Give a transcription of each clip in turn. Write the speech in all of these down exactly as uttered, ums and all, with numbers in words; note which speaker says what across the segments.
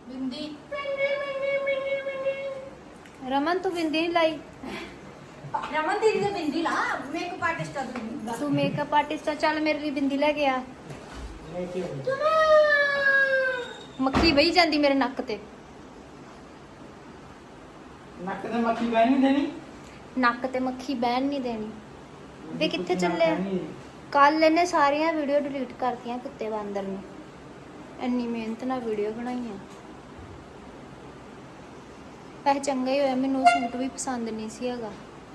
Speaker 1: बिंदी
Speaker 2: रमन तू बिंदी नहीं लाई।
Speaker 1: रमन दीदी ने बिंदी ला मेकअप आर्टिस्ट का
Speaker 2: तू मेकअप आर्टिस्ट है, चल मेरे लिए बिंदी लेके आ। मक्खी बही जाती मेरे नक ते।
Speaker 3: नक ते मक्खी बहन नहीं देनी।
Speaker 2: नक ते मक्खी बहन नहीं देनी। वे कित्थे चले? कल इन्हें सारिया वीडियो डिलीट करतियां कुत्ते बांदर ने। इन्नी मेहनत नाल वीडियो बनाईयां। वैसे चंगा ही होया, मैनूं सूट भी पसंद नहीं सी हैगा।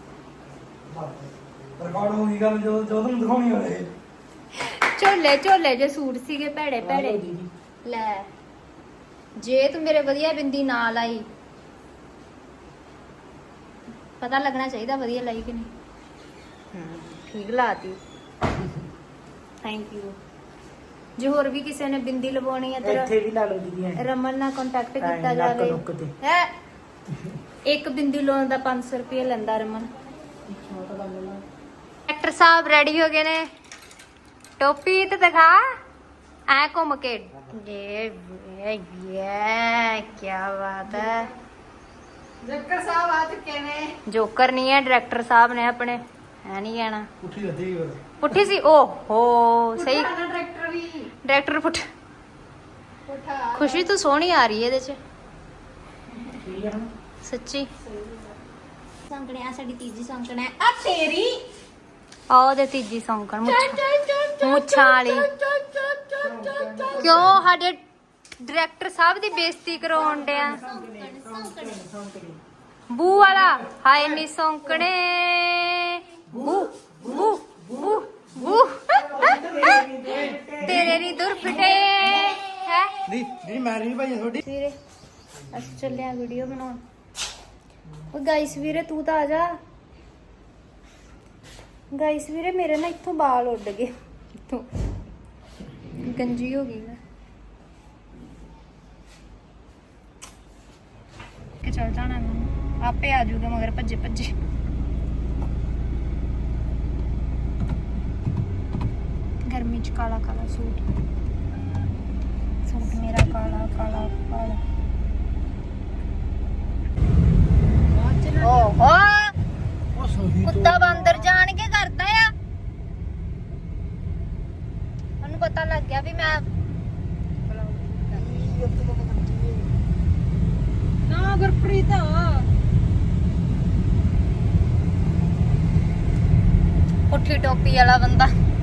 Speaker 3: रिकॉर्ड हो गई गल जो जो तुम दिखाउणी होवे।
Speaker 2: झोले झोले जे सूट सीगे भैड़े भैड़े। ले जे तू मेरे वधिया बिंदी ना लाई, पता लगना चाहिए वधिया लाई कि नहीं। ठीक लाती, थैंक यू। जो होर भी किसी ने बिंदी लवाउणी है तेरा
Speaker 3: ਇੱਥੇ ਵੀ ਲਾ ਲਓ ਦੀਦੀ।
Speaker 2: रमन नाल कांटेक्ट किया
Speaker 3: नक
Speaker 2: जाए।
Speaker 3: नुक ते।
Speaker 2: है एक बिंदी लाउण दा पांच सौ रुपया लैंदा रमन। एक्टर साहब रेडी हो गए ने। टोपी तो दिखा ऐ घूम के। ये ये ये क्या बात है।
Speaker 1: जक्कर साहब आ चुके ने।
Speaker 2: जोकर नहीं है, डायरेक्टर साहब ने अपने, है नहीं कहना।
Speaker 3: ਪੁੱਠੀ ਲੱਦੀ ਹੋਰ।
Speaker 2: पुट्ठी सी ओ हो सही।
Speaker 1: डायरेक्टर भी
Speaker 2: डायरेक्टर पुठ।
Speaker 1: उठा
Speaker 2: खुशी तो सोहनी आ रही है ਇਹਦੇ ਚ
Speaker 3: ਠੀਕ ਹੈ ਹੁਣ।
Speaker 2: सच्ची। सौंकने आ साडी तीजी सौंकन है।
Speaker 1: आ तेरी
Speaker 2: आ ਉਹਦੇ ਤੀਜੀ ਸੌਂਕਣ ਮੁੱਛਾਂ ਮੁੱਛਾਂ ਵਾਲੀ। ਕਿਉਂ ਸਾਡੇ ਡਾਇਰੈਕਟਰ ਸਾਹਿਬ ਦੀ ਬੇਇੱਜ਼ਤੀ ਕਰਾਉਣ ਡਿਆ? ਬੂ ਵਾਲਾ ਹਾਏ ਨੀ ਸੌਂਕਣੇ ਬੂ ਬੂ ਬੂ ਬੂ ਤੇਰੇ ਨੀ ਦੁਰ ਫਿਟੇ ਹੈ।
Speaker 3: ਦੀ ਦੀ ਮੈਂ ਨਹੀਂ ਭਾਈ ਤੁਹਾਡੀ।
Speaker 2: ਵੀਰੇ ਅਸੀਂ ਚੱਲੇ ਆ ਵੀਡੀਓ ਬਣਾਉਣ। ਉਹ ਗਾਇਸ ਵੀਰੇ ਤੂੰ ਤਾਂ ਆ ਜਾ। ਗਾਇਸ ਵੀਰੇ ਮੇਰੇ ਨਾ ਇੱਥੋਂ ਵਾਲ ਉੱਡ ਗਏ, ਇੱਥੋਂ ਗੰਜੀ ਹੋ ਗਈ ਮੈਂ। ਕਿ ਚੱਲ ਜਾਣਾ ਮੈਨੂੰ, ਆਪੇ ਆ ਜਾਊਗਾ ਮਗਰ ਭੱਜੇ ਭੱਜੇ। ਗਰਮੀ ਚ ਕਾਲਾ ਕਾਲਾ ਸੂਟ, ਸੂਟ ਮੇਰਾ ਕਾਲਾ ਕਾਲਾ ਕਾਲਾ। ਓਹੋ
Speaker 3: ਉਹ ਸੋਹੀ
Speaker 2: ਕੁੱਤਾ ਬਾਂਦਰ ਜਾਣ ਕੇ ਕਰਦਾ ਆ। ਉਹਨੂੰ ਪਤਾ ਲੱਗ ਗਿਆ ਵੀ ਮੈਂ
Speaker 1: ना गुरप्रीत
Speaker 2: ਪੁੱਠੀ ਟੋਪੀ ਵਾਲਾ ਬੰਦਾ।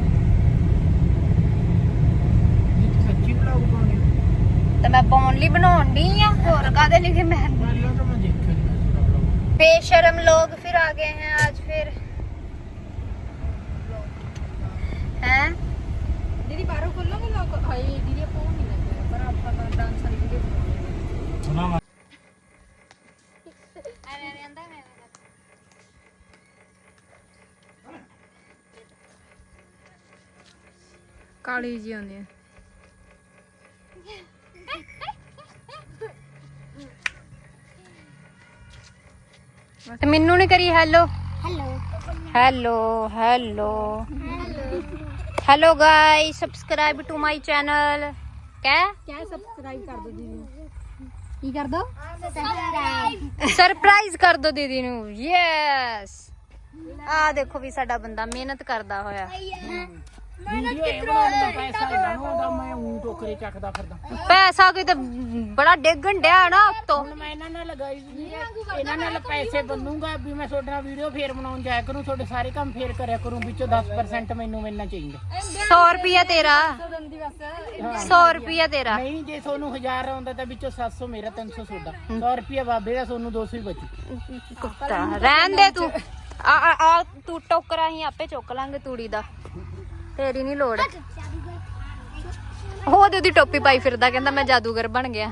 Speaker 3: ਸੱਚੀ ਬਲੌਗ ਪਾਉਣੀ।
Speaker 2: ਤੇ ਮੈਂ ਪਾਉਣ ਲਈ ਬਣਾਉਣ ਦੀ ਆ, ਹੋਰ ਕਾਦੇ ਲਈ? ਮੈਂ
Speaker 3: ਪਹਿਲਾਂ ਤਾਂ ਮੈਂ ਦੇਖਿਆ ਨਹੀਂ ਮੈਂ ਤੁਹਾਡਾ ਬਲੌਗ।
Speaker 2: बेशरम लोग फिर आ गए हैं आज फिर हैं।
Speaker 1: दीदी बाहरों खोलोगे लोग हाय दीदी फोन नहीं लगे पर आप पता डांस वाली वीडियो बनाओगे।
Speaker 3: ਸੁਣਾ ਮੈਂ
Speaker 1: ਕਾਲੀ ਜੀ ਆਉਂਦੀ ਹੈ।
Speaker 2: ਤੇ ਮੈਨੂੰ ਨਹੀਂ ਕਰੀ hello hello hello hello guys, subscribe to my channel. क्या
Speaker 1: क्या सब्सक्राइब कर दो दीदी की कर दो
Speaker 2: सरप्राइज कर दो दीदी नू। यस आ देखो भी साडा बंदा मेहनत करदा होया।
Speaker 3: ਵੀਡੀਓ ਇਹ ਬਣਾਉਣ ਦਾ ਪੈਸਾ ਇਹਨਾਂ ਨੂੰ ਆਉਂਦਾ। ਮੈਂ ਊਂ ਟੋਕਰੇ ਚੱਕਦਾ ਫਿਰਦਾ।
Speaker 2: पैसा कोई तो बड़ा डेगन डया ना उत्तों।
Speaker 3: ਹੁਣ ਮੈਂ ਇਹਨਾਂ ਨਾਲ ਲਗਾਈ ਸੀ, ਇਹਨਾਂ ਨਾਲ ਪੈਸੇ ਬਣੂਗਾ ਵੀ ਮੈਂ ਤੁਹਾਡੇ ਨਾਲ ਵੀਡੀਓ ਫੇਰ ਬਣਾਉਣ ਜਾਇਆ ਕਰੂੰ, ਤੁਹਾਡੇ ਸਾਰੇ ਕੰਮ ਫੇਰ ਕਰਿਆ ਕਰੂੰ, ਵਿੱਚੋਂ दस परसेंट ਮੈਨੂੰ ਮਿਲਣਾ ਚਾਹੀਦਾ।
Speaker 2: सौ रुपया तेरा, सौ रुपया तेरा।
Speaker 3: ਨਹੀਂ ਜੇ ਤੁਹਾਨੂੰ ਹਜ਼ਾਰ ਆਉਂਦਾ ਤਾਂ ਵਿੱਚੋਂ सत्त सौ ਮੇਰਾ, तीन सौ ਤੁਹਾਡਾ, सौ ਰੁਪਿਆ ਬਾਬੇ ਦਾ, ਤੁਹਾਨੂੰ दो सौ ਹੀ ਬਚੂ।
Speaker 2: ਕੁੱਤਾ ਰਹਿਣ ਦੇ ਤੂੰ। ਆ ਆ ਆ ਤੂੰ ਟੋਕਰਾ ਹੀ ਆਪੇ ਚੁੱਕ ਲਾਂਗੇ ਤੂੜੀ ਦਾ, ਤੇਰੀ ਨਹੀਂ ਲੋੜ। ਉਹ ਤੇ ਉਹਦੀ ਟੋਪੀ ਪਾਈ ਫਿਰਦਾ, ਕਹਿੰਦਾ ਮੈਂ ਜਾਦੂਗਰ ਬਣ ਗਿਆ।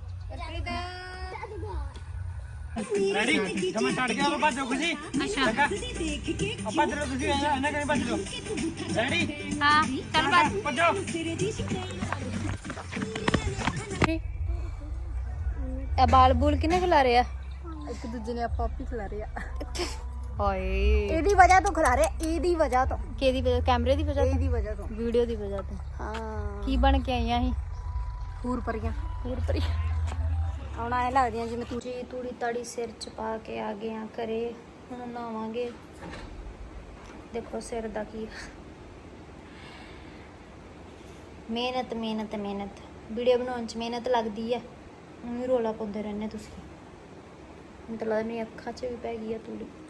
Speaker 3: ਰੈਡੀ ਕਮੈਂ ਛੱਡ ਗਿਆ ਭੱਜੋ ਖੁਸ਼ੀ। ਅੱਛਾ ਆਪਾਂ ਜਰੋ ਤੁਸੀਂ ਇਹਨਾਂ ਕਰੇ ਭੱਜ ਲਓ। ਰੈਡੀ
Speaker 2: ਹਾਂ ਚੱਲ ਬਸ
Speaker 3: ਭੱਜੋ।
Speaker 2: ਇਹ ਬਾਲ ਬੂਲ ਕਿਨੇ ਖਿਲਾ ਰਿਹਾ?
Speaker 1: ਇੱਕ ਦੂਜੇ ਨੇ ਆਪਾਂ ਆਪੀ ਖਿਲਾ ਰਹੇ ਆ।
Speaker 2: ਹਾਏ
Speaker 1: ਇਹਦੀ ਵਜ੍ਹਾ ਤੋਂ ਖਿਲਾ ਰਹੇ, ਇਹਦੀ ਵਜ੍ਹਾ ਤੋਂ,
Speaker 2: ਕਿਹਦੀ ਵਜ੍ਹਾ? ਕੈਮਰੇ ਦੀ ਵਜ੍ਹਾ
Speaker 1: ਇਹਦੀ
Speaker 2: ਤੋਂ,
Speaker 1: ਵਜ੍ਹਾ ਤੋਂ।
Speaker 2: ਵੀਡੀਓ ਦੀ ਵਜ੍ਹਾ ਤੋਂ।
Speaker 1: ਹਾਂ
Speaker 2: ਕੀ ਬਣ ਕੇ ਆਈਆਂ ਸੀ?
Speaker 1: ਹੂਰ ਪਰੀਆਂ।
Speaker 2: ਹੋਰ ਪਰੀ
Speaker 1: ਹੁਣ ਐ ਲੱਗਦੀਆਂ ਜਿਵੇਂ ਤੂੰ
Speaker 2: ਜੀ ਤੂੜੀ ਤਾੜੀ ਸਿਰ ਚ ਪਾ ਕੇ ਆ ਗਏ ਆ ਘਰੇ। ਹੁਣ ਨਹਾਵਾਂਗੇ। ਦੇਖੋ ਸਿਰ ਦਾ ਕੀ ਮਿਹਨਤ ਮਿਹਨਤ ਮਿਹਨਤ ਵੀਡੀਓ ਬਣਾਉਣ ਚ ਮਿਹਨਤ ਲੱਗਦੀ ਆ। ਹੁਣ ਵੀ ਰੋਲਾ ਪਾਉਂਦੇ ਰਹਿੰਦੇ ਤੁਸੀਂ। ਮੈਨੂੰ ਤਾਂ ਲੱਗਦਾ ਮੇਰੀ ਅੱਖਾਂ 'ਚ ਵੀ ਪੈ ਗਈ ਆ ਤੂੜੀ।